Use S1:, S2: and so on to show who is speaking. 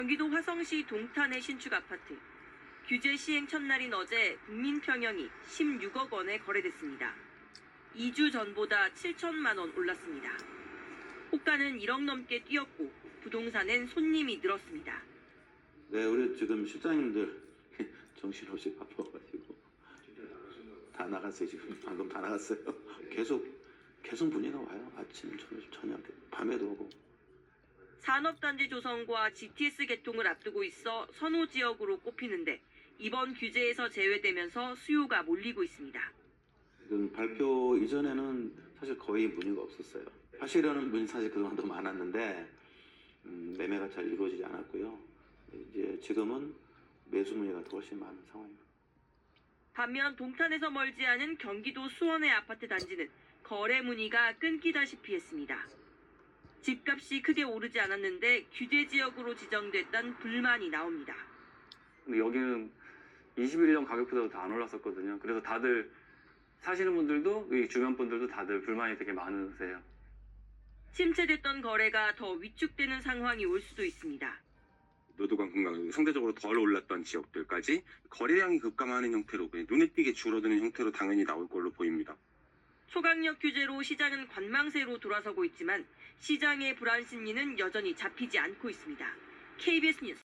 S1: 경기도 화성시 동탄의 신축 아파트. 규제 시행 첫날인 어제 국민평형이 16억 원에 거래됐습니다. 2주 전보다 7천만 원 올랐습니다. 호가는 1억 넘게 뛰었고 부동산엔 손님이 늘었습니다.
S2: 네, 우리 지금 실장님들 정신없이 바빠가지고 다 나갔어요. 지금 방금 다 나갔어요. 계속 문의가 와요. 아침, 저녁, 밤에도 오고.
S1: 산업단지 조성과 GTS 개통을 앞두고 있어 선호 지역으로 꼽히는데 이번 규제에서 제외되면서 수요가 몰리고 있습니다.
S2: 지금 발표 이전에는 사실 거의 문의가 없었어요. 하시려는 분이 사실 그동안 더 많았는데 매매가 잘 이루어지지 않았고요. 이제 지금은 매수 문의가 더 훨씬 많은 상황입니다.
S1: 반면 동탄에서 멀지 않은 경기도 수원의 아파트 단지는 거래 문의가 끊기다시피 했습니다. 집값이 크게 오르지 않았는데 규제 지역으로 지정됐다는 불만이 나옵니다.
S3: 근데 여기는 21년 가격보다도 더 안 올랐었거든요. 그래서 다들 사시는 분들도 이 주변 분들도 다들 불만이 되게 많으세요.
S1: 침체됐던 거래가 더 위축되는 상황이 올 수도 있습니다.
S4: 노도관 공간이 상대적으로 덜 올랐던 지역들까지 거래량이 급감하는 형태로 그냥 눈에 띄게 줄어드는 형태로 당연히 나올 걸로 보입니다.
S1: 초강력 규제로 시장은 관망세로 돌아서고 있지만 시장의 불안 심리는 여전히 잡히지 않고 있습니다. KBS 뉴스